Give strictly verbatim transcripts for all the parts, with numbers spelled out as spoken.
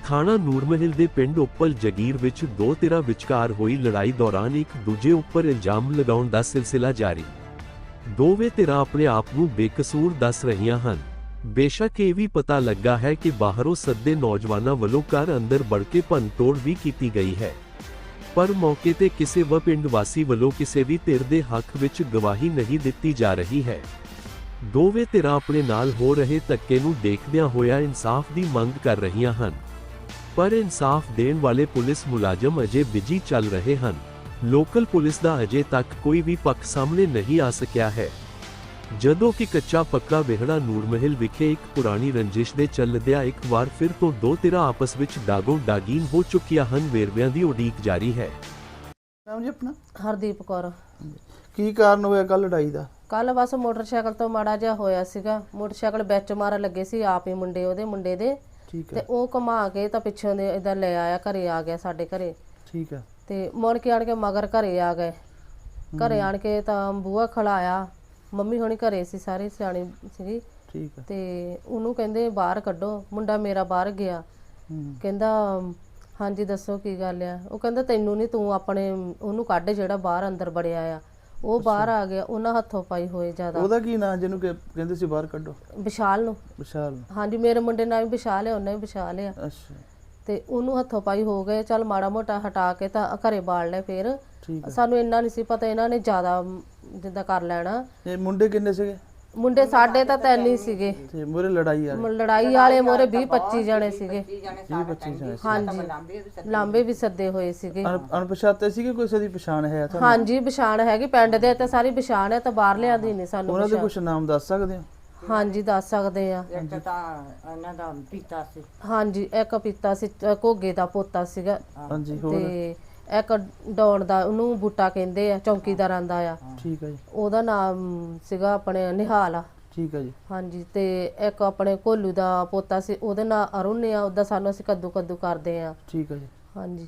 ਥਾਣਾ ਨੂਰਮਹਿਲ ਦੇ ਪਿੰਡ ਉੱਪਲ ਜਗੀਰ ਵਿੱਚ ਦੋ ਧਿਰਾਂ ਵਿਚਕਾਰ ਹੋਈ ਲੜਾਈ ਦੌਰਾਨ ਇੱਕ ਦੂਜੇ ਉੱਪਰ ਇਲਜ਼ਾਮ ਲਗਾਉਣ ਦਾ ਸਿਲਸਿਲਾ ਜਾਰੀ। ਦੋਵੇਂ ਧਿਰਾਂ ਆਪਣੇ ਆਪ ਨੂੰ ਬੇਕਸੂਰ ਦੱਸ ਰਹੀਆਂ ਹਨ। ਬੇਸ਼ੱਕ ਇਹ ਵੀ ਪਤਾ ਲੱਗਾ ਹੈ ਕਿ ਬਾਹਰੋਂ ਸੱਦੇ ਨੌਜਵਾਨਾਂ ਵੱਲੋਂ ਘਰ ਅੰਦਰ ਵੜ ਕੇ ਭੰਨਤੋੜ ਵੀ ਕੀਤੀ ਗਈ ਹੈ, ਪਰ ਮੌਕੇ ਤੇ ਕਿਸੇ ਵੀ ਪਿੰਡ ਵਾਸੀ ਵੱਲੋਂ ਕਿਸੇ ਵੀ ਧਿਰ ਦੇ ਹੱਕ ਵਿੱਚ ਗਵਾਹੀ ਨਹੀਂ ਦਿੱਤੀ ਜਾ ਰਹੀ ਹੈ। ਦੋਵੇਂ ਧਿਰਾਂ ਆਪਣੇ ਨਾਲ ਹੋ ਰਹੇ ਧੱਕੇ ਨੂੰ ਦੇਖਦਿਆਂ ਹੋਇਆ ਇਨਸਾਫ ਦੀ ਮੰਗ ਕਰ ਰਹੀਆਂ ਹਨ, ਪਰ ਇਨਸਾਫ ਦੇਣ ਵਾਲੇ ਪੁਲਿਸ ਮੁਲਾਜ਼ਮ ਅਜੇ ਬਿਜੀ ਚੱਲ ਰਹੇ ਹਨ। ਲੋਕਲ ਪੁਲਿਸ ਦਾ ਅਜੇ ਤੱਕ ਕੋਈ ਵੀ ਪੱਖ ਸਾਹਮਣੇ ਨਹੀਂ ਆ ਸਕਿਆ ਹੈ, ਜਦੋਂ ਕਿ ਕੱਚਾ ਪੱਕਾ ਵਿਹੜਾ ਨੂਰਮਹਿਲ ਵਿਖੇ ਇੱਕ ਪੁਰਾਣੀ ਰੰਜਿਸ਼ ਦੇ ਚੱਲਦਿਆਂ ਇੱਕ ਵਾਰ ਫਿਰ ਤੋਂ ਦੋ ਧਿਰਾਂ ਆਪਸ ਵਿੱਚ ਡਾਗੋ ਡਾਗੀਨ ਹੋ ਚੁੱਕੀਆਂ ਹਨ। ਵੇਰਵਿਆਂ ਦੀ ਉਡੀਕ ਜਾਰੀ ਹੈ। ਨਾਮ ਜੀ ਆਪਣਾ? ਹਰਦੀਪ ਕੌਰ। ਕੀ ਕਾਰਨ ਹੋਇਆ ਕੱਲ ਲੜਾਈ ਦਾ? ਕੱਲ ਬਸ ਮੋਟਰਸਾਈਕਲ ਤੋਂ ਮਾੜਾ ਜਿਹਾ ਹੋਇਆ ਸੀਗਾ, ਮੋਟਰਸਾਈਕਲ ਵਿੱਚ ਮਾਰਨ ਲੱਗੇ ਸੀ ਆਪ ਹੀ ਮੁੰਡੇ ਉਹਦੇ ਮੁੰਡੇ ਦੇ, ਤੇ ਉਹ ਘੁਮਾ ਕੇ ਤਾਂ ਪਿੱਛੋਂ ਦੇ ਇਦਾਂ ਲੈ ਆਇਆ, ਘਰੇ ਆ ਗਿਆ ਸਾਡੇ ਘਰੇ। ਠੀਕ ਹੈ। ਤੇ ਮੁੜ ਕੇ ਆਣ ਕੇ ਮਗਰ ਘਰੇ ਆ ਗਏ। ਘਰੇ ਆਣ ਕੇ ਤਾਂ ਬੂਹਾ ਖੜਾਇਆ, ਮੰਮੀ ਹੋਣੀ ਘਰੇ ਸੀ, ਸਾਰੇ ਸਿਆਣੀ ਸੀਗੀ। ਠੀਕ ਹੈ। ਤੇ ਉਹਨੂੰ ਕਹਿੰਦੇ ਬਾਹਰ ਕੱਢੋ, ਮੁੰਡਾ ਮੇਰਾ ਬਾਹਰ ਗਿਆ। ਕਹਿੰਦਾ ਹਾਂਜੀ ਦੱਸੋ ਕੀ ਗੱਲ ਆ? ਉਹ ਕਹਿੰਦਾ ਤੈਨੂੰ ਨਹੀਂ, ਤੂੰ ਆਪਣੇ ਉਹਨੂੰ ਕੱਢ ਜਿਹੜਾ ਬਾਹਰ ਅੰਦਰ ਵੜਿਆ ਆ। ਉਹ ਬਾਹਰ ਆ ਗਿਆ, ਉਹਨਾਂ ਹੱਥੋਂ ਪਾਈ ਹੋਏ ਜ਼ਿਆਦਾ। ਉਹਦਾ ਕੀ ਨਾਂ ਜਿਹਨੂੰ ਕਹਿੰਦੇ ਸੀ ਬਾਹਰ ਕੱਢੋ? ਵਿਸ਼ਾਲ ਨੂੰ। ਵਿਸ਼ਾਲ? ਹਾਂਜੀ, ਮੇਰੇ ਮੁੰਡੇ ਨਾਲ ਵੀ ਵਿਸ਼ਾਲ ਹੈ, ਉਹਨੇ ਵੀ ਵਿਸ਼ਾਲ ਆ। ਅੱਛਾ। ਤੇ ਉਹਨੂੰ ਹੱਥੋਂ ਪਾਈ ਹੋ ਗਏ। ਚੱਲ ਮਾੜਾ ਮੋਟਾ ਹਟਾ ਕੇ ਤਾਂ ਘਰੇ ਬਾੜ ਲੈ। ਫਿਰ ਸਾਨੂੰ ਇੰਨਾ ਨਹੀਂ ਸੀ ਪਤਾ ਇਹਨਾਂ ਨੇ ਜ਼ਿਆਦਾ ਜਿੱਦਾਂ ਕਰ ਲੈਣਾ। ਇਹ ਮੁੰਡੇ ਕਿੰਨੇ ਸੀਗੇ? ਮੁੰਡੇ ਸਾਡੇ ਤਾਂ ਤਿੰਨ ਹੀ ਸੀਗੇ। ਤੇ ਮੋਰੇ ਲੜਾਈ ਵਾਲੇ? ਲੜਾਈ ਵਾਲੇ ਮੋਰੇ ਵੀਹ ਪੱਚੀ ਜਣੇ ਸੀਗੇ। ਵੀਹ ਪੱਚੀ ਜਣੇ? ਹਾਂਜੀ, ਲਾਂਬੇ ਵੀ ਸੱਦੇ ਹੋਏ ਸੀਗੇ। ਅਣਪਛਾਤੇ ਸੀਗੇ? ਕੋਈ ਦੀ ਪਛਾਣ ਹੈ ਤੁਹਾਨੂੰ? ਹਾਂਜੀ, ਪਛਾਣ ਹੈਗੀ, ਪਿੰਡ ਦੇ ਤੇ ਸਾਰੀ ਪਛਾਣ ਹੈ, ਤਾਂ ਬਾਹਰ ਲਿਆਂਦੀ ਨਹੀਂ ਸਾਨੂੰ। ਉਹਨਾਂ ਦੇ ਕੁਝ ਨਾਮ ਦੱਸ ਸਕਦੇ ਹੋ? ਹਾਂਜੀ ਦੱਸ ਸਕਦੇ ਆ। ਇੱਕ ਤਾਂ ਇਹਨਾਂ ਦਾ ਪੀਤਾ ਸੀ। ਹਾਂਜੀ, ਇੱਕ ਪੀਤਾ ਸੀ, ਘੋਗੇ ਦਾ ਪੋਤਾ ਸੀਗਾ। ਹਾਂਜੀ। ਤੇ ਇੱਕ ਡੌਣ ਦਾ, ਉਹਨੂੰ ਬੂਟਾ ਕਹਿੰਦੇ ਆ, ਚੌਂਕੀਦਾਰਾਂ ਦਾ ਆ। ਠੀਕ ਹੈ ਜੀ। ਉਹਦਾ ਨਾਮ ਸੀਗਾ ਆਪਣੇ ਨਿਹਾਲ। ਠੀਕ ਹੈ ਜੀ। ਹਾਂਜੀ। ਤੇ ਇੱਕ ਆਪਣੇ ਕੋਲੂ ਦਾ ਪੋਤਾ ਸੀ, ਉਹਦੇ ਨਾਂ ਅਰੁਣ ਆ। ਉਹਦਾ ਸਾਨੂੰ ਅਸੀਂ ਕੱਦੂ ਕੱਦੂ ਕਰਦੇ ਆ। ਠੀਕ ਹੈ ਜੀ। ਹਾਂਜੀ।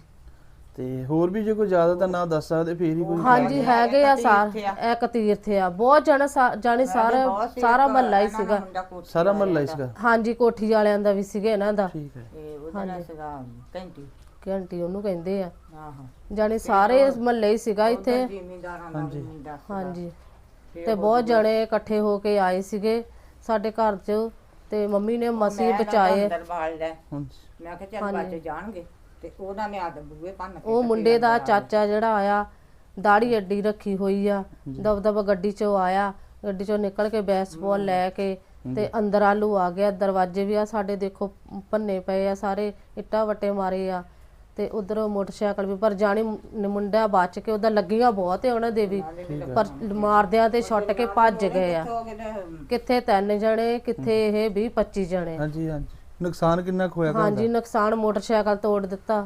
ਤੇ ਹੋਰ ਵੀ ਜੇ ਕੋਈ ਜ਼ਿਆਦਾ ਤਾਂ ਨਾਂ ਦੱਸ ਸਕਦੇ ਫੇਰ ਹੀ ਕੋਈ? ਹਾਂਜੀ ਹੈਗੇ ਆ, ਸਾਰ ਇੱਕ ਤੀਰਥ ਆ, ਬਹੁਤ ਜਣਾ ਜਾਣੀ ਸਾਰਾ ਸਾਰਾ ਮਹੱਲਾ ਹੀ ਸੀਗਾ। ਸਾਰਾ ਮਹੱਲਾ ਹੀ ਸੀਗਾ? ਹਾਂਜੀ, ਕੋਠੀ ਵਾਲਿਆਂ ਦਾ ਵੀ ਸੀਗਾ ਇਹਨਾਂ ਦਾ। ਠੀਕ ਹੈ। ਉਹਦਾ ਸੀਗਾ ਘੰਟੀ। ਘੰਟੀ ਉਹਨੂੰ ਕਹਿੰਦੇ ਆ। ਆਹੋ, ਜਾਣੀ ਸਾਰੇ ਮਹੱਲੇ ਹੀ ਸੀਗਾ ਇੱਥੇ। ਜ਼ਿਮੀਂਦਾਰਾਂ ਦਾ ਮੁੰਡਾ। ਹਾਂਜੀ। ਤੇ ਬਹੁਤ ਜਣੇ ਇਕੱਠੇ ਹੋ ਕੇ ਆਏ ਸੀਗੇ ਸਾਡੇ ਘਰ 'ਚ, ਤੇ ਮੰਮੀ ਨੇ ਮਸੀਂ ਬਚਾਏ। ਅੰਦਰ ਬਾੜ ਲੈ। ਮੈਂ ਕਿਹਾ ਚੱਲ ਬੱਚ ਜਾਣਗੇ, ਤੇ ਉਹਨਾਂ ਨੇ ਆਦ ਬੂਹੇ ਭੰਨ ਕੇ। ਉਹ ਮੁੰਡੇ ਦਾ ਚਾਚਾ ਜਿਹੜਾ ਆਇਆ, ਦਾੜੀ ਅੱਡੀ ਰੱਖੀ ਹੋਈ ਆ, ਦਬ ਦਬ ਗੱਡੀ 'ਚੋਂ ਆਇਆ, ਗੱਡੀ 'ਚੋਂ ਨਿਕਲ ਕੇ ਬੈਸਬਾਲ ਲੈ ਕੇ ਤੇ ਅੰਦਰ ਆਲੂ ਆ ਗਿਆ। ਦਰਵਾਜ਼ੇ ਵੀ ਆ ਸਾਡੇ ਦੇਖੋ ਭੰਨੇ ਪਏ ਆ, ਸਾਰੇ ਇੱਟਾਂ ਵੱਟੇ ਮਾਰੇ ਆ। ਤੇ ਉਧਰ ਮੋਟਰਸਾਈਕਲ ਵੀ, ਪਰ ਜਾਣੀ ਮੁੰਡਾ ਬਚ ਕੇ, ਉਹਦਾ ਲੱਗੀਆਂ ਬਹੁਤ ਹੈ ਉਹਨਾਂ ਦੇ ਵੀ, ਪਰ ਮਾਰਦਿਆਂ ਤੇ ਛੁੱਟ ਕੇ ਭੱਜ ਗਏ ਆ। ਕਿੱਥੇ ਤਿੰਨ ਜਣੇ, ਕਿੱਥੇ ਇਹ ਵੀਹ ਪੱਚੀ ਜਣੇ। ਹਾਂਜੀ ਹਾਂਜੀ। ਨੁਕਸਾਨ ਕਿੰਨਾ ਕੁ ਹੋਇਆ? ਹਾਂਜੀ, ਨੁਕਸਾਨ ਮੋਟਰਸਾਈਕਲ ਤੋੜ ਦਿੱਤਾ,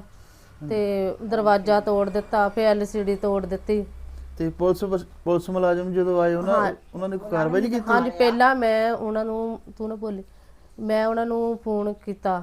ਤੇ ਦਰਵਾਜ਼ਾ ਤੋੜ ਦਿੱਤਾ, ਫਿਰ ਐਲ ਸੀ ਡੀ ਤੋੜ ਦਿੱਤੀ। ਤੇ ਪੁਲਿਸ ਪੁਲਿਸ ਮੁਲਾਜ਼ਮ ਜਦੋਂ ਆਏ ਉਹਨਾਂ ਉਹਨਾਂ ਨੇ ਕੋਈ ਕਾਰਵਾਈ ਨਹੀਂ ਕੀਤੀ? ਹਾਂਜੀ, ਪਹਿਲਾਂ ਮੈਂ ਉਹਨਾਂ ਨੂੰ, ਤੂੰ ਨਾ ਬੋਲੀ, ਮੈਂ ਉਹਨਾਂ ਨੂੰ ਫੋਨ ਕੀਤਾ,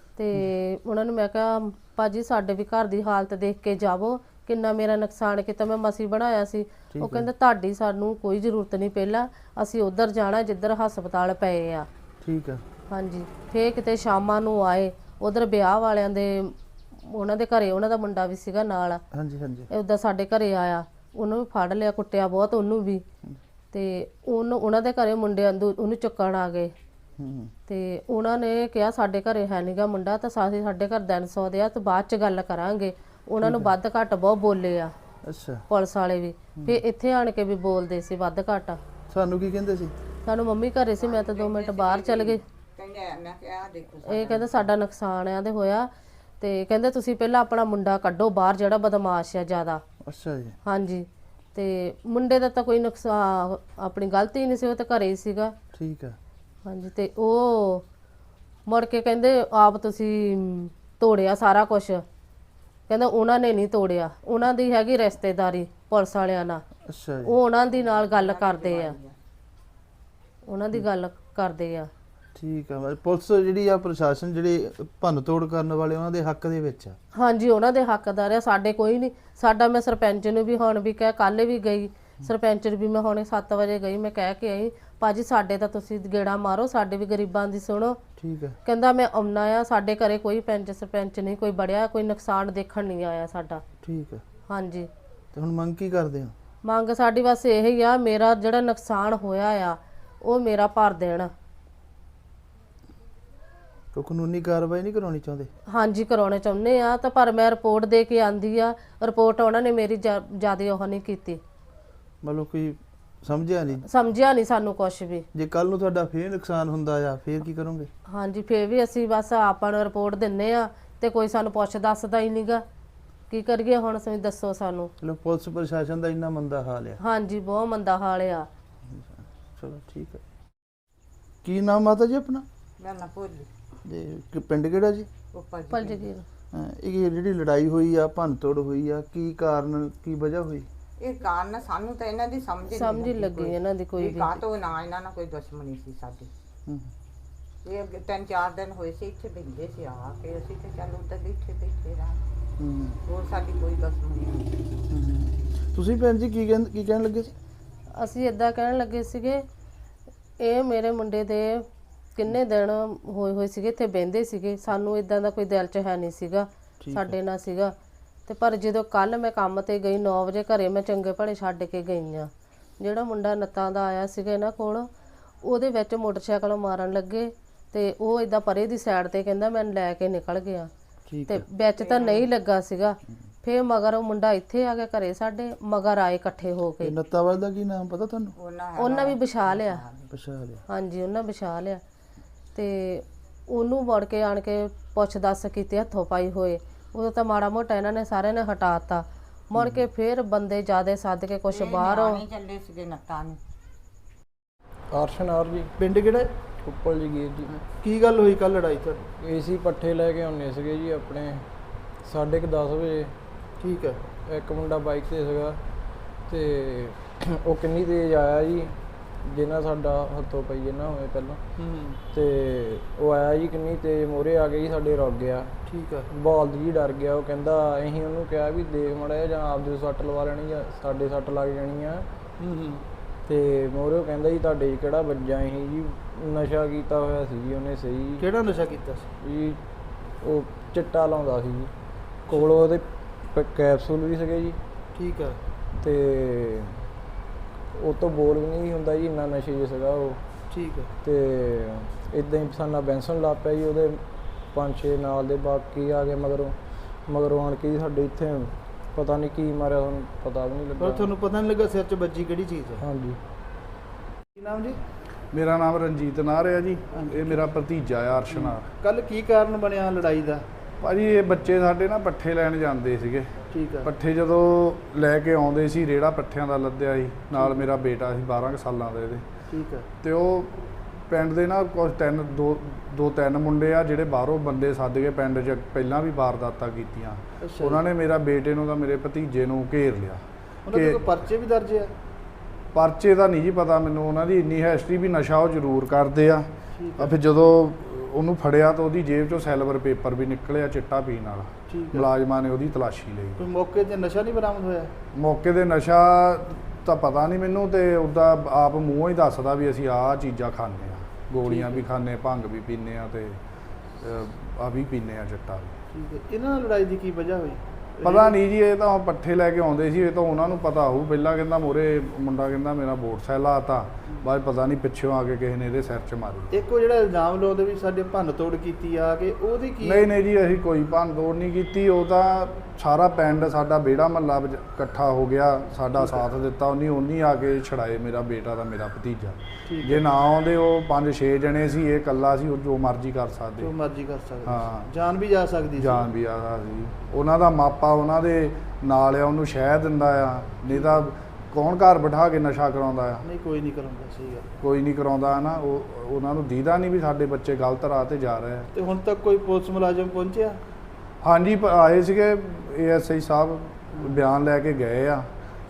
ਤੇ ਉਹਨਾਂ ਨੂੰ ਮੈਂ ਕਿਹਾ ਭਾਜੀ ਸਾਡੇ ਵੀ ਘਰ ਦੀ ਹਾਲਤ ਦੇਖ ਕੇ ਜਾਵੋ, ਕਿੰਨਾ ਮੇਰਾ ਨੁਕਸਾਨ ਕੀਤਾ, ਮੈਂ ਮਸੀਂ ਬਣਾਇਆ ਸੀ। ਉਹ ਕਹਿੰਦਾ ਤੁਹਾਡੀ ਸਾਨੂੰ ਕੋਈ ਜ਼ਰੂਰਤ ਨਹੀਂ, ਪਹਿਲਾਂ ਅਸੀਂ ਉਧਰ ਜਾਣਾ ਜਿੱਧਰ ਹਸਪਤਾਲ ਪਏ ਆ। ਠੀਕ ਆ। ਹਾਂਜੀ। ਫੇਰ ਕਿਤੇ ਸ਼ਾਮਾਂ ਨੂੰ ਆਏ, ਉਧਰ ਵਿਆਹ ਵਾਲਿਆਂ ਦੇ ਉਹਨਾਂ ਦੇ ਘਰੇ, ਉਹਨਾਂ ਦਾ ਮੁੰਡਾ ਵੀ ਸੀਗਾ ਨਾਲ। ਹਾਂਜੀ ਹਾਂਜੀ। ਉਦਾਂ ਸਾਡੇ ਘਰੇ ਆਇਆ, ਉਹਨੂੰ ਵੀ ਫੜ ਲਿਆ, ਕੁੱਟਿਆ ਬਹੁਤ ਉਹਨੂੰ ਵੀ। ਤੇ ਉਹਨੂੰ ਉਹਨਾਂ ਦੇ ਘਰੇ ਮੁੰਡੇ ਉਹਨੂੰ ਚੁੱਕਣ ਆ ਗਏ। ਤੇ ਉਹਨਾਂ ਨੇ ਕਿਹਾ ਸਾਡੇ ਘਰੇ ਹੈ ਨੀਗਾ ਮੁੰਡਾ, ਤਾਂ ਸਾਥੀ ਸਾਡੇ ਘਰ ਦਿਨ ਸੌ ਦੇ ਆ, ਤੇ ਬਾਅਦ ਚ ਗੱਲ ਕਰਾਂਗੇ। ਉਹਨਾਂ ਨੂੰ ਵੱਧ ਘੱਟ ਬਹੁਤ ਬੋਲੇ ਆ। ਅੱਛਾ। ਪੁਲਿਸ ਵਾਲੇ ਵੀ ਫੇਰ ਇੱਥੇ ਆਣ ਕੇ ਵੀ ਬੋਲਦੇ ਸੀ ਵੱਧ ਘੱਟ। ਸਾਨੂੰ ਕੀ ਕਹਿੰਦੇ ਸੀ? ਸਾਨੂੰ ਮੰਮੀ ਘਰੇ ਸੀ, ਮੈਂ ਤਾਂ ਦੋ ਮਿੰਟ ਬਾਹਰ ਚਲ ਗਏ। ਇਹ ਕਹਿੰਦਾ ਸਾਡਾ ਨੁਕਸਾਨ ਆ ਤੇ ਹੋਇਆ, ਤੇ ਕਹਿੰਦੇ ਤੁਸੀਂ ਪਹਿਲਾਂ ਆਪਣਾ ਮੁੰਡਾ ਕੱਢੋ ਬਾਹਰ, ਜਿਹੜਾ ਬਦਮਾਸ਼ ਆ ਜ਼ਿਆਦਾ। ਅੱਛਾ ਜੀ। ਹਾਂਜੀ। ਤੇ ਮੁੰਡੇ ਦਾ ਤਾਂ ਕੋਈ ਨੁਕਸਾਨ, ਆਪਣੀ ਗਲਤੀ ਨਹੀਂ ਸੀ, ਉਹ ਤਾਂ ਘਰੇ ਹੀ ਸੀਗਾ। ਠੀਕ ਆ। ਹਾਂਜੀ। ਤੇ ਉਹ ਮੁੜ ਕੇ ਕਹਿੰਦੇ ਆਪ ਤੁਸੀਂ ਤੋੜਿਆ ਸਾਰਾ ਕੁਝ। ਕਹਿੰਦਾ ਉਹਨਾਂ ਨੇ ਨਹੀਂ ਤੋੜਿਆ, ਉਹਨਾਂ ਦੀ ਹੈਗੀ ਰਿਸ਼ਤੇਦਾਰੀ ਪੁਲਿਸ ਵਾਲਿਆਂ ਨਾਲ। ਅੱਛਾ ਜੀ। ਉਹ ਉਹਨਾਂ ਦੀ ਨਾਲ ਗੱਲ ਕਰਦੇ ਆ, ਉਹਨਾਂ ਦੀ ਗੱਲ ਕਰਦੇ ਆ। ਠੀਕ ਆ। ਪੁਲਿਸ ਜਿਹੜੀ ਆ, ਪ੍ਰਸ਼ਾਸਨ ਜਿਹੜੇ ਭੰਨ ਤੋੜ ਕਰਨ ਵਾਲੇ, ਉਹਨਾਂ ਦੇ ਹੱਕ ਦੇ ਵਿੱਚ ਆ? ਹਾਂਜੀ, ਉਹਨਾਂ ਦੇ ਹੱਕਦਾਰ ਆ, ਸਾਡੇ ਕੋਈ ਨਹੀਂ। ਸਾਡਾ ਮੈਂ ਸਰਪੰਚ ਨੂੰ ਵੀ ਹੁਣ ਵੀ ਕਹਿ, ਕੱਲ ਵੀ ਗਈ, ਸਰਪੰਚ ਨੂੰ ਵੀ ਮੈਂ ਹੁਣੇ ਸੱਤ ਵਜੇ ਗਈ, ਮੈਂ ਕਹਿ ਕੇ ਆਈ ਭਾਜੀ ਸਾਡੇ ਤਾਂ ਤੁਸੀਂ ਗੇੜਾ ਮਾਰੋ, ਸਾਡੇ ਵੀ ਗਰੀਬਾਂ ਦੀ ਸੁਣੋ। ਠੀਕ ਹੈ। ਕਹਿੰਦਾ ਮੈਂ ਆਉਣਾ ਆ, ਸਾਡੇ ਘਰੇ ਕੋਈ ਪੰਚ ਸਰਪੰਚ ਨਹੀਂ ਕੋਈ ਬੜਿਆ, ਕੋਈ ਨੁਕਸਾਨ ਦੇਖਣ ਨਹੀਂ ਆਇਆ ਸਾਡਾ। ਠੀਕ ਹੈ। ਹਾਂਜੀ। ਤੇ ਹੁਣ ਮੰਗ ਕੀ ਕਰਦੇ ਹੋ? ਮੰਗ ਸਾਡੀ ਬਸ ਇਹ ਹੀ ਆ, ਮੇਰਾ ਜਿਹੜਾ ਨੁਕਸਾਨ ਹੋਇਆ ਆ ਉਹ ਮੇਰਾ ਭਰ ਦੇਣ। ਕੋਈ ਕਾਨੂੰਨੀ ਕਾਰਵਾਈ ਨਹੀਂ ਕਰਾਉਣੀ ਚਾਹੁੰਦੇ? ਹਾਂਜੀ ਕਰਾਉਣੇ ਚਾਹੁੰਦੇ ਆ, ਤਾਂ ਪਰ ਮੈਂ ਰਿਪੋਰਟ ਦੇ ਕੇ ਆਂਦੀ ਆ, ਰਿਪੋਰਟ ਉਹਨਾਂ ਨੇ ਮੇਰੀ ਜਿਆਦਾ ਉਹ ਨਹੀਂ ਕੀਤੀ। ਮਤਲਬ ਕੋਈ ਸਮਝਿਆ ਨਹੀਂ? ਸਮਝਿਆ ਨਹੀਂ ਸਾਨੂੰ ਕੁਝ ਵੀ। ਜੇ ਕੱਲ ਨੂੰ ਤੁਹਾਡਾ ਫੇਰ ਨੁਕਸਾਨ ਹੁੰਦਾ ਆ ਫੇਰ ਕੀ ਕਰੋਗੇ? ਹਾਂਜੀ ਫੇਰ ਵੀ ਅਸੀਂ ਬਸ ਆਪਾਂ ਨੂੰ ਰਿਪੋਰਟ ਦਿੰਨੇ ਆ ਤੇ ਕੋਈ ਸਾਨੂੰ ਪੁੱਛ ਦੱਸਦਾ ਹੀ ਨਹੀਂਗਾ, ਕੀ ਕਰੀਏ ਹੁਣ ਤੁਸੀਂ ਦੱਸੋ ਸਾਨੂੰ। ਚਲੋ ਪੁਲਿਸ ਪ੍ਰਸ਼ਾਸਨ ਦਾ ਇੰਨਾ ਮੰਦਾ ਹਾਲ ਆ। ਹਾਂਜੀ ਬਹੁਤ ਮੰਦਾ ਹਾਲ ਆ। ਚਲੋ ਠੀਕ ਹੈ। ਕੀ ਨਾਮ ਮਾਤਾ ਜੀ ਆਪਣਾ? ਮੈਂ ਨਾ ਭੋਲੀ ਤੇ ਕਿ ਪਿੰਡ ਕਿਹੜਾ ਜੀ? ਉੱਪਰ ਪਲ ਜਗੀਰ। ਹਾਂ, ਇਹ ਜਿਹੜੀ ਲੜਾਈ ਹੋਈ ਆ ਭੰਨ ਤੋੜ ਹੋਈ ਆ, ਕੀ ਕਾਰਨ ਕੀ ਵਜ੍ਹਾ ਹੋਈ? ਇਹ ਕਾਰਨ ਸਾਨੂੰ ਤਾਂ ਇਹਨਾਂ ਦੀ ਸਮਝ ਸਮਝ ਹੀ ਲੱਗੀ ਇਹਨਾਂ ਦੀ ਕੋਈ ਵੀ ਵੀ। ਕਾਹ ਤੋਂ ਨਾ ਇਹਨਾਂ ਨਾਲ ਕੋਈ ਦੁਸ਼ਮਣੀ ਸੀ ਸਾਡੀ। ਹੂੰ। ਇਹ ਅੱਗੇ ਤਿੰਨ ਚਾਰ ਦਿਨ ਹੋਏ ਸੀ ਇੱਥੇ ਬੈਠੇ ਸੀ ਆ ਕੇ, ਅਸੀਂ ਤੇ ਚੱਲ ਉੱਧਰ ਇੱਥੇ ਬੈਠੇ ਰਹਾਂ। ਹੂੰ। ਹੋਰ ਸਾਡੀ ਕੋਈ ਦੁਸ਼ਮਣੀ ਨਹੀਂ। ਹੂੰ। ਤੁਸੀਂ ਭੈਣ ਜੀ ਕੀ ਕਹਿੰ ਕੀ ਕਹਿਣ ਲੱਗੇ ਸੀ? ਅਸੀਂ ਇਦਾਂ ਕਹਿਣ ਲੱਗੇ ਸੀਗੇ, ਇਹ ਮੇਰੇ ਮੁੰਡੇ ਦੇ ਕਿੰਨੇ ਦਿਨ ਹੋਏ ਹੋਏ ਸੀਗੇ ਇੱਥੇ ਬਹਿੰਦੇ ਸੀਗੇ, ਸਾਨੂੰ ਇਦਾਂ ਦਾ ਕੋਈ ਦਿਲ 'ਚ ਹੈ ਨਹੀਂ ਸੀਗਾ ਸਾਡੇ ਨਾਲ ਸੀਗਾ। ਤੇ ਪਰ ਜਦੋਂ ਕੱਲ ਮੈਂ ਕੰਮ ਤੇ ਗਈ ਨੌ ਵਜੇ ਘਰੇ ਮੈਂ ਚੰਗੇ ਭਲੇ ਛੱਡ ਕੇ ਗਈ ਆ, ਜਿਹੜਾ ਮੁੰਡਾ ਨੱਤਾਂ ਦਾ ਆਇਆ ਸੀਗਾ ਇਹਨਾਂ ਕੋਲ, ਉਹਦੇ ਵਿੱਚ ਮੋਟਰਸਾਈਕਲ ਮਾਰਨ ਲੱਗੇ ਤੇ ਉਹ ਇਦਾਂ ਪਰੇ ਦੀ ਸਾਈਡ ਤੇ ਕਹਿੰਦਾ ਮੈਂ ਲੈ ਕੇ ਨਿਕਲ ਗਿਆ ਤੇ ਵਿੱਚ ਤਾਂ ਨਹੀਂ ਲੱਗਾ ਸੀਗਾ। ਫੇਰ ਮਗਰ ਉਹ ਮੁੰਡਾ ਇੱਥੇ ਆ ਗਿਆ ਘਰੇ ਸਾਡੇ, ਮਗਰ ਆਏ ਇਕੱਠੇ ਹੋ ਕੇ। ਨੱਤਾ ਵਾਲੇ ਦਾ ਕੀ ਨਾਮ ਪਤਾ ਤੁਹਾਨੂੰ? ਉਹਨਾਂ ਵੀ ਵਿਛਾ ਲਿਆ। ਵਿਛਾ ਲਿਆ? ਹਾਂਜੀ ਉਹਨਾਂ ਵਿਛਾ ਲਿਆ ਤੇ ਉਹਨੂੰ ਮੁੜ ਕੇ ਆਣ ਕੇ ਪੁੱਛ ਦੱਸ ਕੀਤੇ ਹੱਥੋਂ ਪਾਈ ਹੋਏ, ਉਦੋਂ ਤਾਂ ਮਾੜਾ ਮੋਟਾ ਇਹਨਾਂ ਨੇ ਸਾਰਿਆਂ ਨੇ ਹਟਾਤਾ। ਮੁੜ ਕੇ ਫੇਰ ਬੰਦੇ ਜਿਆਦੇ ਸੱਦ ਕੇ ਕੁਛ ਬਾਹਰੋਂ ਚੱਲੇ ਸੀਗੇ ਨੱਤਾਂ ਨੂੰ। ਅਰਸ਼ਨਾਰ ਜੀ। ਪਿੰਡ ਕਿਹੜਾ? ਉੱਪਲ ਜਗੀਰ ਜੀ। ਕੀ ਗੱਲ ਹੋਈ ਕੱਲ ਲੜਾਈ ਤੁਹਾਡੀ? ਏਸੀ ਪੱਠੇ ਲੈ ਕੇ ਆਉਂਦੇ ਸੀਗੇ ਜੀ ਆਪਣੇ ਸਾਢੇ ਕੁ ਦਸ ਵਜੇ। ਠੀਕ ਹੈ। ਇੱਕ ਮੁੰਡਾ ਬਾਈਕ ਤੇ ਸੀਗਾ ਤੇ ਉਹ ਕਿੰਨੀ ਤੇਜ਼ ਆਇਆ ਜੀ, ਜਿਹਨਾਂ ਸਾਡਾ ਹੱਥੋਂ ਪਈ ਇਹਨਾਂ ਹੋਏ ਪਹਿਲਾਂ। ਹੂੰ। ਤੇ ਉਹ ਆਇਆ ਜੀ ਕਿੰਨੀ ਤੇਜ਼ ਮੋਰੇ ਆ ਗਈ, ਸਾਡੇ ਰੁਕ ਗਿਆ। ਠੀਕ ਹੈ। ਬਲਦ ਜੀ ਡਰ ਗਿਆ, ਉਹ ਕਹਿੰਦਾ ਅਸੀਂ ਉਹਨੂੰ ਕਿਹਾ ਵੀ ਦੇਖ ਮਾੜਾ ਜਾਂ ਆਪਦੇ ਸੱਟ ਲਵਾ ਲੈਣੀ ਜਾਂ ਸਾਡੇ ਸੱਟ ਲੱਗ ਜਾਣੀ ਆ। ਹੂੰ ਹੂੰ। ਤੇ ਮੋਰੇ ਉਹ ਕਹਿੰਦਾ ਜੀ ਤੁਹਾਡੇ ਕਿਹੜਾ ਵੱਜਾ ਅਸੀਂ ਜੀ, ਨਸ਼ਾ ਕੀਤਾ ਹੋਇਆ ਸੀ ਜੀ ਉਹਨੇ। ਸਹੀ। ਕਿਹੜਾ ਨਸ਼ਾ ਕੀਤਾ ਸੀ ਜੀ? ਉਹ ਚਿੱਟਾ ਲਾਉਂਦਾ ਸੀ ਜੀ, ਕੋਲ ਉਹਦੇ ਕੈਪਸੂਲ ਵੀ ਸੀਗੇ ਜੀ। ਠੀਕ ਹੈ। ਤੇ ਉਹ ਤੋਂ ਬੋਲ ਵੀ ਨਹੀਂ ਹੁੰਦਾ ਜੀ, ਇੰਨਾ ਨਸ਼ੇ 'ਚ ਸੀਗਾ ਉਹ। ਠੀਕ ਹੈ। ਤੇ ਇਦਾਂ ਹੀ ਸਾਨਾ ਬੈਂਸਣ ਲੱਗ ਪਿਆ ਜੀ, ਉਹਦੇ ਪੰਜ ਛੇ ਨਾਲ ਦੇ ਬਾਕੀ ਆ ਗਏ ਮਗਰੋਂ। ਮਗਰੋਂ ਆਣ ਕੇ ਸਾਡੇ ਇੱਥੇ ਪਤਾ ਨਹੀਂ ਕੀ ਮਾਰਿਆ, ਤੁਹਾਨੂੰ ਪਤਾ ਵੀ ਨਹੀਂ ਪਰ ਲੱਗਾ। ਤੁਹਾਨੂੰ ਪਤਾ ਨਹੀਂ ਲੱਗਾ ਸਿਰ 'ਚ ਵੱਜੀ ਕਿਹੜੀ ਚੀਜ਼ ਹੈ? ਹਾਂਜੀ। ਕੀ ਨਾਮ ਜੀ? ਮੇਰਾ ਨਾਮ ਰਣਜੀਤ ਨਾਰ ਹੈ ਜੀ। ਇਹ ਮੇਰਾ ਭਤੀਜਾ ਆ ਅਰਸ਼ ਨਾਰ। ਕੱਲ ਕੀ ਕਾਰਨ ਬਣਿਆ ਲੜਾਈ ਦਾ? ਭਾਜੀ ਇਹ ਬੱਚੇ ਸਾਡੇ ਨਾ ਪੱਠੇ ਲੈਣ ਜਾਂਦੇ ਸੀਗੇ। ਠੀਕ ਹੈ। ਪੱਠੇ ਜਦੋਂ ਲੈ ਕੇ ਆਉਂਦੇ ਸੀ, ਰੇੜਾ ਪੱਠਿਆਂ ਦਾ ਲੱਦਿਆ ਸੀ ਨਾਲ, ਮੇਰਾ ਬੇਟਾ ਸੀ ਬਾਰਾਂ ਕੁ ਸਾਲਾਂ ਦਾ ਇਹਦੇ। ਠੀਕ ਹੈ। ਤੇ ਉਹ ਪਿੰਡ ਦੇ ਨਾ ਕੁਝ ਤਿੰਨ ਦੋ ਦੋ ਤਿੰਨ ਮੁੰਡੇ ਆ ਜਿਹੜੇ ਬਾਹਰੋਂ ਬੰਦੇ ਸੱਦ ਕੇ ਪਿੰਡ 'ਚ ਪਹਿਲਾਂ ਵੀ ਵਾਰਦਾਤਾਂ ਕੀਤੀਆਂ। ਉਹਨਾਂ ਨੇ ਮੇਰਾ ਬੇਟੇ ਨੂੰ ਤਾਂ ਮੇਰੇ ਭਤੀਜੇ ਨੂੰ ਘੇਰ ਲਿਆ। ਉਹਨਾਂ ਦੇ ਕੋਈ ਪਰਚੇ ਵੀ ਦਰਜ ਆ? ਪਰਚੇ ਦਾ ਨਹੀਂ ਜੀ ਪਤਾ ਮੈਨੂੰ, ਉਹਨਾਂ ਦੀ ਇੰਨੀ ਹਿਸਟਰੀ ਵੀ ਨਸ਼ਾ ਉਹ ਜ਼ਰੂਰ ਕਰਦੇ ਆ। ਆ ਫਿਰ ਜਦੋਂ ਉਹਨੂੰ ਫੜਿਆ ਤਾਂ ਉਹਦੀ ਜੇਬ 'ਚੋਂ ਸਿਲਵਰ ਪੇਪਰ ਵੀ ਨਿਕਲਿਆ ਚਿੱਟਾ ਪੀਣ ਵਾਲਾ। ਮੁਲਾਜ਼ਮਾਂ ਨੇ ਉਹਦੀ ਤਲਾਸ਼ੀ ਲਈ। ਕੋਈ ਮੌਕੇ ਤੇ ਨਸ਼ਾ ਨਹੀਂ ਬਰਾਮਦ ਹੋਇਆ? ਮੌਕੇ ਤੇ ਨਸ਼ਾ ਤਾਂ ਪਤਾ ਨਹੀਂ ਮੈਨੂੰ, ਤੇ ਉਹਦਾ ਆਪ ਮੂੰਹੋਂ ਹੀ ਦੱਸਦਾ ਵੀ ਅਸੀਂ ਆਹ ਚੀਜ਼ਾਂ ਖਾਂਦੇ ਆ, ਗੋਲੀਆਂ ਵੀ ਖਾਂਦੇ, ਭੰਗ ਵੀ ਪੀਂਦੇ ਆ ਤੇ ਆ ਵੀ ਪੀਂਦੇ ਆ ਚਿੱਟਾ ਵੀ। ਠੀਕ ਹੈ। ਇਹਨਾਂ ਨਾਲ ਲੜਾਈ ਦੀ ਕੀ ਵਜ੍ਹਾ ਹੋਈ? ਪਤਾ ਨਹੀਂ ਜੀ, ਇਹ ਤਾਂ ਪੱਠੇ ਲੈ ਕੇ ਆਉਂਦੇ ਸੀ, ਇਹ ਤਾਂ ਉਹਨਾਂ ਨੂੰ ਪਤਾ ਹੋਊ। ਪਹਿਲਾਂ ਕਹਿੰਦਾ ਮੋਰੇ ਮੁੰਡਾ ਕਹਿੰਦਾ ਮੇਰਾ ਮੋਟਰਸਾਈਕਲ ਆਤਾ, ਬਾਅਦ ਪਤਾ ਨਹੀਂ ਪਿੱਛੋਂ ਆ ਕੇ ਕਿਸੇ ਨੇ ਇਹਦੇ ਸਿਰ 'ਚ ਮਾਰੀ। ਇੱਕ ਉਹ ਜਿਹੜਾ ਇਲਜ਼ਾਮ ਲਾਉਂਦੇ ਵੀ ਸਾਡੇ ਭੰਨ ਤੋੜ ਕੀਤੀ ਆ ਕਿ ਉਹਦੀ ਕੀ? ਨਹੀਂ ਨਹੀਂ ਜੀ, ਅਸੀਂ ਕੋਈ ਭੰਨ ਤੋੜ ਨਹੀਂ ਕੀਤੀ। ਉਹ ਤਾਂ ਸਾਰਾ ਪਿੰਡ ਸਾਡਾ ਵਿਹੜਾ ਮਹੱਲਾ ਇਕੱਠਾ ਹੋ ਗਿਆ, ਸਾਡਾ ਸਾਥ ਦਿੱਤਾ। ਉਹਨੇ ਉਹਨੀ ਆ ਕੇ ਛੜਾਏ ਮੇਰਾ ਬੇਟਾ ਦਾ ਮੇਰਾ ਭਤੀਜਾ। ਜੇ ਨਾ ਆਉਂਦੇ ਉਹ ਪੰਜ ਛੇ ਜਣੇ ਸੀ, ਇਹ ਇਕੱਲਾ ਸੀ, ਉਹ ਜੋ ਮਰਜ਼ੀ ਕਰ ਸਕਦੇ। ਜੋ ਮਰਜ਼ੀ ਕਰ ਸਕਦੇ। ਹਾਂ। ਜਾਨ ਵੀ ਜਾ ਸਕਦੀ ਸੀ। ਜਾਨ ਵੀ ਆ ਸਕਦੀ। ਉਹਨਾਂ ਦਾ ਮਾਪਾ ਉਹਨਾਂ ਦੇ ਨਾਲ ਆ, ਉਹਨੂੰ ਸ਼ਹਿ ਦਿੰਦਾ ਆ, ਨਹੀਂ ਤਾਂ ਕੌਣ ਘਰ ਬਿਠਾ ਕੇ ਨਸ਼ਾ ਕਰਾਉਂਦਾ ਆ? ਨਹੀਂ ਕੋਈ ਨਹੀਂ ਕਰਾਉਂਦਾ। ਸਹੀ ਗੱਲ। ਕੋਈ ਨਹੀਂ ਕਰਾਉਂਦਾ ਨਾ। ਉਹ ਉਹਨਾਂ ਨੂੰ ਦੀਦਾ ਨਹੀਂ ਵੀ ਸਾਡੇ ਬੱਚੇ ਗਲਤ ਰਾਹ ਤੇ ਜਾ ਰਹੇ ਆ। ਤੇ ਹੁਣ ਤੱਕ ਕੋਈ ਪੁਲਿਸ ਮੁਲਾਜ਼ਮ ਪਹੁੰਚਿਆ? ਹਾਂਜੀ ਪ- ਆਏ ਸੀਗੇ ਏ ਐਸ ਆਈ ਸਾਹਿਬ, ਬਿਆਨ ਲੈ ਕੇ ਗਏ ਆ।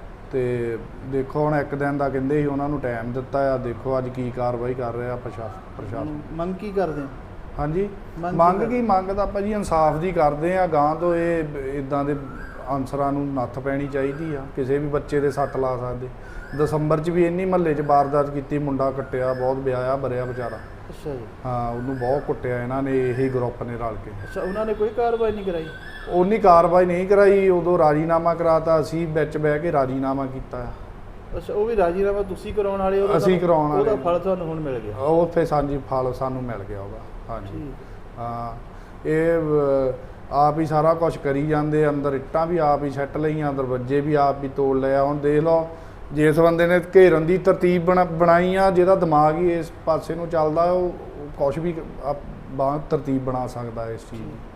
ਤੇ ਦੇਖੋ ਹੁਣ ਇੱਕ ਦਿਨ ਦਾ ਕਹਿੰਦੇ ਸੀ, ਉਹਨਾਂ ਨੂੰ ਟਾਈਮ ਦਿੱਤਾ ਆ, ਦੇਖੋ ਅੱਜ ਕੀ ਕਾਰਵਾਈ ਕਰ ਰਿਹਾ ਪ੍ਰਸ਼ਾਸਨ ਪ੍ਰਸ਼ਾਸਨ ਮੰਗ ਕੀ ਕਰਦੇ ਆ? ਹਾਂਜੀ ਮੰਗ ਕੀ ਮੰਗ ਕਰਦੇ? ਕੀ ਮੰਗ ਤਾਂ ਆਪਾਂ ਜੀ ਇਨਸਾਫ ਦੀ ਕਰਦੇ ਆ। ਗਾਂ ਤੋਂ ਇਹ ਇਦਾਂ ਦੇ ਅਨਸਰਾਂ ਨੂੰ ਨੱਥ ਪੈਣੀ ਚਾਹੀਦੀ ਆ। ਕਿਸੇ ਵੀ ਬੱਚੇ ਦੇ ਸੱਟ ਲਾ ਸਕਦੇ। ਦਸੰਬਰ 'ਚ ਵੀ ਇੰਨੀ ਮਹੱਲੇ 'ਚ ਵਾਰਦਾਤ ਕੀਤੀ, ਮੁੰਡਾ ਕੱਟਿਆ, ਬਹੁਤ ਵਿਆਹਿਆ ਬਰਿਆ ਵਿਚਾਰਾ। ਅੱਛਾ ਜੀ। ਹਾਂ, ਉਹਨੂੰ ਬਹੁਤ ਕੁੱਟਿਆ ਇਹਨਾਂ ਨੇ, ਇਹੀ ਗਰੁੱਪ ਨੇ ਰਲ ਕੇ। ਅੱਛਾ, ਉਹਨਾਂ ਨੇ ਕੋਈ ਕਾਰਵਾਈ ਨਹੀਂ ਕਰਾਈ? ਉਹਨੀ ਕਾਰਵਾਈ ਨਹੀਂ ਕਰਾਈ, ਉਦੋਂ ਰਾਜੀਨਾਮਾ ਕਰਾਤਾ, ਅਸੀਂ ਵਿੱਚ ਬਹਿ ਕੇ ਰਾਜੀਨਾਮਾ ਕੀਤਾ। ਅੱਛਾ, ਉਹ ਵੀ ਰਾਜੀਨਾਮਾ ਤੁਸੀਂ ਕਰਾਉਣ ਵਾਲੇ? ਉਹਦਾ ਅਸੀਂ ਤੁਹਾਨੂੰ- ਕਰਾਉਣ ਵਾਲੇ। ਉਹਦਾ ਫਲ ਤੁਹਾਨੂੰ ਹੁਣ ਮਿਲ ਗਿਆ? ਉਹ ਫਿਰ ਸਾਂਝੀ ਫਲ ਸਾਨੂੰ ਮਿਲ ਗਿਆ ਉਹਦਾ। ਹਾਂਜੀ ਠੀਕ। ਹਾਂ, ਇਹ ਅਹ, ਆਪ ਹੀ ਸਾਰਾ ਕੁਝ ਕਰੀ ਜਾਂਦੇ। ਅੰਦਰ ਇੱਟਾਂ ਵੀ ਆਪ ਹੀ ਸੱਟ ਲਈਆਂ, ਦਰਵਾਜ਼ੇ ਵੀ ਆਪ ਹੀ ਤੋੜ ਲਿਆ। ਹੁਣ ਦੇਖ ਲਓ, ਜਿਸ ਬੰਦੇ ਨੇ ਘੇਰਨ ਦੀ ਤਰਤੀਬ ਬਣਾ ਬਣਾਈ ਆ, ਜਿਹਦਾ ਦਿਮਾਗ ਹੀ ਇਸ ਪਾਸੇ ਨੂੰ ਚੱਲਦਾ, ਉਹ ਕੁਝ ਵੀ ਬਾਹਰ ਤਰਤੀਬ ਬਣਾ ਸਕਦਾ ਇਸ ਚੀਜ਼ ਦੀ।